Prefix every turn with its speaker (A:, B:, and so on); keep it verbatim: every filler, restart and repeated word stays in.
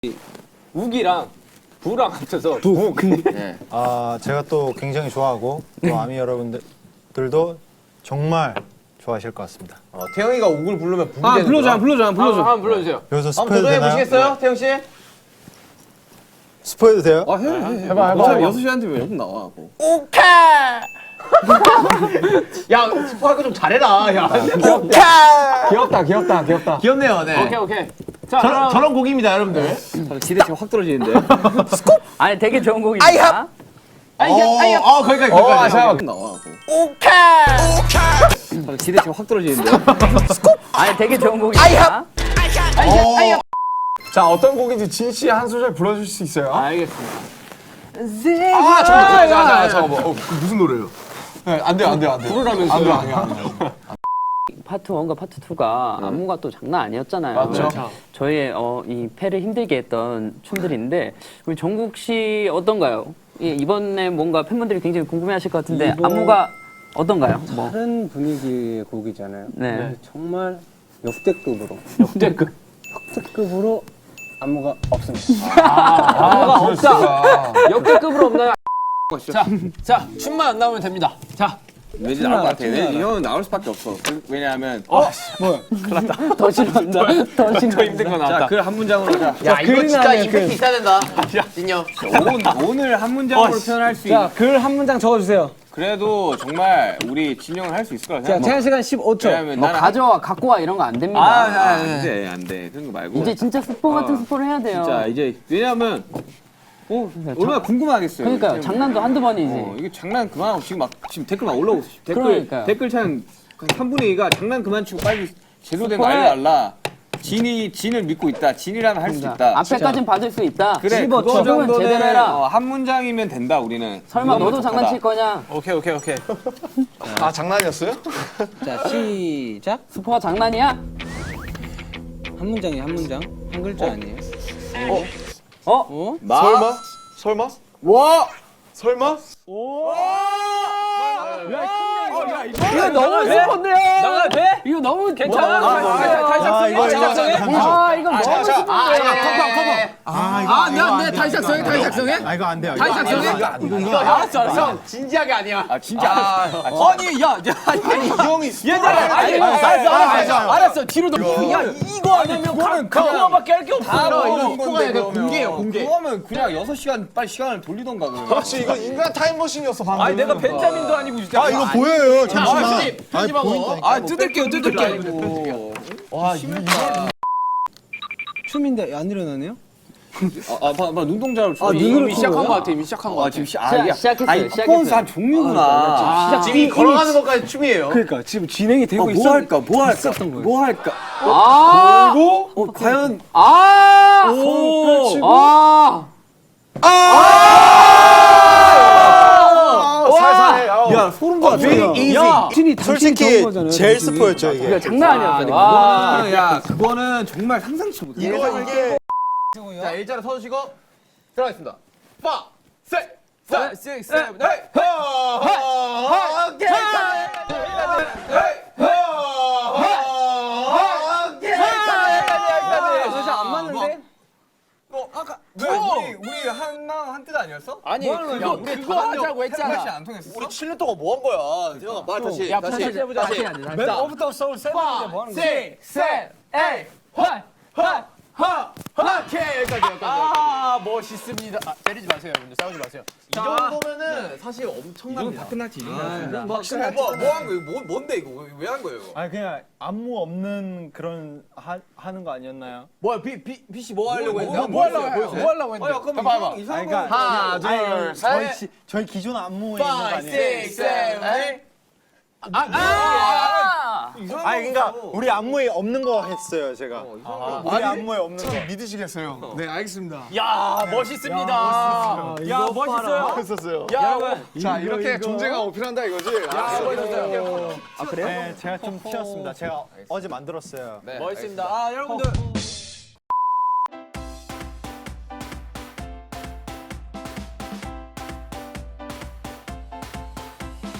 A: 우기랑 부랑 합쳐서
B: 부.
C: 네.
B: 아 제가 또 굉장히 좋아하고 또 아미 여러분들도 정말 좋아하실 것 같습니다.
C: 어, 태영이가 욱을 부르면 북이
D: 아
C: 되는
D: 불러줘,
C: 거야?
D: 불러줘,
A: 한번,
D: 불러줘.
A: 한번 불러주세요.
B: 여기서
C: 한번
B: 스포해도
C: 도전해
B: 되나요?
C: 보시겠어요, 태영 씨?
B: 스포해도 돼요?
D: 아 해, 해, 해.
B: 해봐, 해봐,
D: 어차피
B: 해봐.
D: 여섯 시한테 왜 여기 나와? 뭐.
C: 야, 스포할 거 좀 잘해라. 야.
D: 귀엽다, 귀엽다, 귀엽다.
C: 귀엽네요, 네.
A: 오케이 오케이. 자
C: 저런,
A: 그럼
C: 저런 곡입니다, 여러분들.
D: 기대 지금 확 떨어지는데.
E: 아니 되게 좋은 곡입니다.
A: 아이야 아이야.
C: 어, 거기까지,
D: 아
C: 거기까지.
D: 잠깐만. 나와. 오케이. 기대 지금 확 떨어지는데.
E: 아니 되게 좋은 곡입니다.
A: 아이야 아이야.
D: 자 어떤 곡인지 진 씨 한 소절 불러줄 수 있어요?
A: 알겠습니다.
C: 아, 잠깐만, 잠깐만, 잠깐만, 잠깐만. 어, 그 무슨 노래예요?
D: 네, 안 돼요, 안 돼요, 안 돼요.
A: 부르라면서요.
D: 안 돼요, 안 돼요, 안 돼요.
E: 파트 원과 파트 투가 안무가 또 장난 아니었잖아요.
A: 맞죠.
E: 저희의 어, 이 패를 힘들게 했던 춤들인데 우리 정국 씨 어떤가요? 예, 이번에 뭔가 팬분들이 굉장히 궁금해하실 것 같은데
F: 이번-
E: 안무가 어떤가요? 뭐.
F: 다른 분위기의 곡이잖아요.
E: 네.
F: 네, 정말 역대급으로
A: 역대급.
F: 역대급으로 안무가 없습니다.
A: 안무가 없다. 역대급으로 없나요? 자, 자 춤만 안 나오면 됩니다. 자,
D: 왠지 나올 것 같아. 왠지 이 형은 나올 수밖에 없어. 그- 왜냐하면
E: 더 싫어한다. 더 싫어.
A: 더 힘든 거
D: 자,
A: 나왔다.
D: 글 한 문장으로 자,
C: 야, 이거
F: 글이
C: 진짜
F: 나오면
C: 임팩트
F: 그-
C: 있어야 된다. 진영.
D: 오, 오늘 한 문장으로 표현할 수 있.
F: 자, 글 한 문장 적어주세요.
D: 그래도 정말 우리 진영은 할 수 있을 거라
F: 자,
D: 생각.
F: 제한 시간 십오 초.
D: 왜냐면
E: 뭐
D: 나는
E: 가져와 갖고 와 이런 거 안 됩니다.
D: 아, 아, 안 돼, 안 돼. 그런 거 말고.
E: 이제 진짜 스포 같은
D: 어.
E: 스포를 해야 돼요.
D: 자, 이제 왜냐면 어, 얼마나 궁금하겠어요.
E: 그러니까요.
D: 이제.
E: 장난도 한두 번이지.
D: 어, 이게 장난 그만하고 지금 막 지금 댓글 막 올라오고 있어. 댓글
E: 그러니까요.
D: 댓글 창 삼분의 이가 장난 그만 치고 빨리 제대로 된 거
E: 스포해.
D: 알려달라. 진이 진을 믿고 있다. 진이라면 할 수 있다.
E: 앞에까진 받을 수 있다.
D: 그래,
E: 씹어,
D: 그거
E: 적으면
D: 정도는
E: 제대로 해라.
D: 어, 한 문장이면 된다. 우리는.
E: 설마
D: 그거면
E: 너도
D: 적하다.
E: 장난칠 거냐?
A: 오케이 오케이 오케이.
C: 아, 장난이었어요?
F: 자, 시작.
E: 스포가 장난이야?
F: 한 문장이 한 문장. 한 글자 아니에요?
E: 어?
D: 마.
C: 설마? 설마?
D: 와.
C: 설마?
E: 이거 너무 스포인데요?
A: 나가도 돼?
E: 이거 너무
A: 괜찮아?
E: 다시
B: 아 이거 이거
E: 작성해? 아 이거 너무 스포인데.
B: 아 이거
A: 아, 나, 내 다시 작성해, 다시 작성해?
B: 아 이거 안 돼요.
A: 다시
B: 이거 안 돼요.
A: 작성해?
B: 이거 이거
A: 알았어, 알았어.
C: 형, 진지하게 아니야.
D: 아 진짜. 아,
A: 아니, 야, 야, 아니,
C: 이 형이
A: 얘들아, 아니, 알았어, 알았어, 알았어, 뒤로 넘겨. 야, 이거 아니면 그거는 그거밖에 할 게 없어.
D: 이런
C: 이거
D: 건데,
C: 그냥
D: 그러면.
C: 공개예요, 공개.
D: 그거면 그냥 여섯 시간 빨리 시간을 돌리던가 그러면.
C: 그렇지, 이거 인간 타임머신이었어, 방금.
A: 아니, 내가 벤자민도 아니고 진짜.
B: 아 이거 보여요.
C: 아,
B: 잠시만.
C: 편집, 편집하고.
A: 아, 뜯을게요, 뜯을게.
D: 와,
F: 춤인데 안 일어나네요?
D: 아, 아, 봐, 봐, 눈동자를 줘.
F: 아,
A: 이미
F: 눈으로
A: 시작한
F: 푸는
A: 거 같아, 이미 시작한 거
D: 아,
A: 같아.
D: 지금 시, 아,
E: 시작,
D: 이게
E: 시작했어요,
D: 아니,
E: 시작했어요.
D: 퍼포먼스 한 종류구나.
C: 시작, 지금 걸어가는 것까지 춤이에요.
F: 그러니까 지금 진행이 되고
D: 뭐
F: 있었
D: 할까? 뭐 할까?
F: 있었던 거예요.
D: 뭐 할까?
E: 아!
D: 어, 과연
E: 아!
D: 오!
E: 아!
C: 살살해.
D: 야, 소름 돋아.
A: 야,
F: 진이 당신이
B: 솔직히
F: 적은 거잖아요,
B: 제일
F: 당신이.
B: 스포였죠 이게.
E: 이거 장난 아니었어. 와.
D: 와, 야, 그거는 정말 상상치 못해.
C: 이거 이게. 자, 일자로 서주시고 들어가겠습니다. 파, 셋, 셋, 셋, 셋, 넷, 하, 하, 오케이.
F: 진짜 안 맞는데?
D: 아까 왜 우리 우리 한마음 한뜻 아니었어?
A: 아니, 그거, 그거 하자고 했잖아.
D: 안 통했어?
C: 우리 칠 년 동안 뭐 한 거야? 태영아, 말 다시.
A: 야,
C: 다시.
A: 다시 해보자. 다시 해야 돼. 다시.
F: 뭐부터 서울 세븐인데 뭐 하는 거야?
C: 셋, 셋, 에이, 화, 화, 화, 화. 오케이, 여기까지, 여기까지.
A: 아, 멋있습니다. 아, 때리지 마세요, 여러분들. 싸우지 마세요.
C: 이 정도면은 사실 엄청납니다.
D: 끝났지.
C: 뭐, 확실히 뭐, 뭐 한 거예요? 뭐, 뭔데 이거? 왜 한 거예요? 이거?
B: 아니 그냥 안무 없는 그런 하, 하는 거 아니었나요?
C: 뭐야, 비, 비, 비씨 뭐 하려고 했는데?
A: 뭐, 뭐 하려고 해? 뭐 하려고 했는데?
C: 아, 잠깐만,
A: 봐봐, 봐봐.
C: 이상- 이상한
B: 아니,
C: 거.
B: 그러니까
C: 하나,
B: 아니,
C: 둘,
B: 저희
C: 셋.
B: 기, 저희 기존 안무에 있는 거
C: five,
B: 아니에요?
C: six, seven, eight.
E: 아!
B: 아니 그러니까 우리 안무에 없는 거 했어요 제가. 우리 안무에 없는 거.
D: 믿으시겠어요? 네, 알겠습니다.
A: 야, 멋있습니다. 야, 멋있어요.
B: 했었어요.
A: 야,
D: 자, 이렇게 존재감 어필한다 이거지?
A: 멋있어요.
B: 네, 제가 좀 튀었습니다. 제가 어제 만들었어요.
A: 멋있습니다. 아, 여러분들.